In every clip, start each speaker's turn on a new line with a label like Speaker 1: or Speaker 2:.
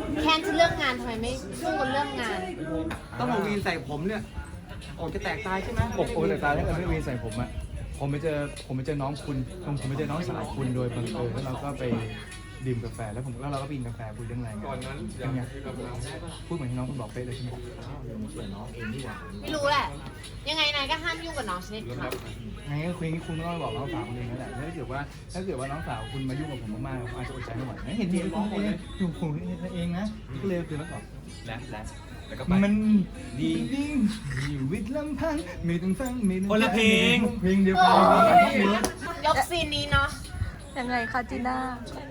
Speaker 1: แค่จะเรื่องงานทำไมไม่สู้กันเรื่องงาน
Speaker 2: ต้องมาวีนใส่ผมเนี่ยออกจะแตกตายใช่ไหม
Speaker 3: โอ้แต่ตาถ้าเกิดไม่วีนใส่ผมอะผมไปเจอน้องคุณผมไปเจอน้องสาวคุณโดยบังเอิญแล้วเราก็ไปดื่มกาแฟแล้วเราก็ไปกินกาแฟคุยเรื่องอะไรกันยังไงพูดเหมือนที่น้องคุณบอกเป๊ะเลยใช่ไหม
Speaker 1: ไม่รู้แหละ ยังไงนายก็ห้ามยุ่งกับน้องชนิดค่ะ
Speaker 3: ไงก็คุยงี้คุณก็ต้องบอกน้องสาวคุณเองนั่นแหละถ้าเกิดว่าน้องสาวคุณมายุ่งกับผมมากๆผมอาจจะอดใจไม่ไหวนะเห็นคุณเองอยู่ผมเองนะก็เลยคือแล้วก็
Speaker 2: แล้วก็ไป
Speaker 3: มัน
Speaker 2: ดี
Speaker 3: ชีวิตลำพังไม่ต้องฟังไม่ต้อง
Speaker 2: คนละเพลง
Speaker 3: เพลงเดียว
Speaker 1: โอ้
Speaker 3: กัน
Speaker 1: ยยกซีนนี้เนาะ
Speaker 4: ยังไงคะจีน่า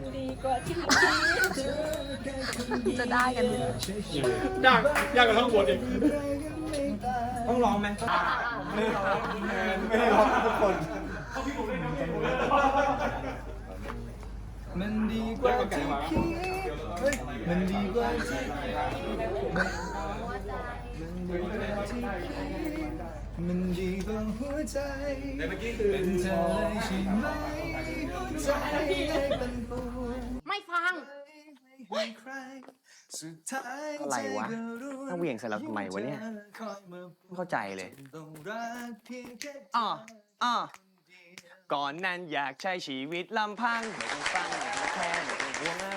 Speaker 4: จะได้กันไหม
Speaker 5: ยากกว่าทั้งบทอีก
Speaker 2: ต้องร้องไหม
Speaker 3: ไม่ได้ร้องทุกคนมันดีกว่าที่คิดมันดีกว่าที่มันดีกว่าหัวใจเป็นเธอเลยใช่ไหมหัวใจเป็นปวด
Speaker 1: ไม่ฟัง
Speaker 6: อะไรวะถ้าเหวี่ยงใส่เราทำไมวะเนี่ยไม่เข้าใจเลยอ้อก่อนนั้นอยากใช้ชีวิตลำพังไม่ต้องฟังไม่ต้องแคร์ไม่ต้องห่วงอ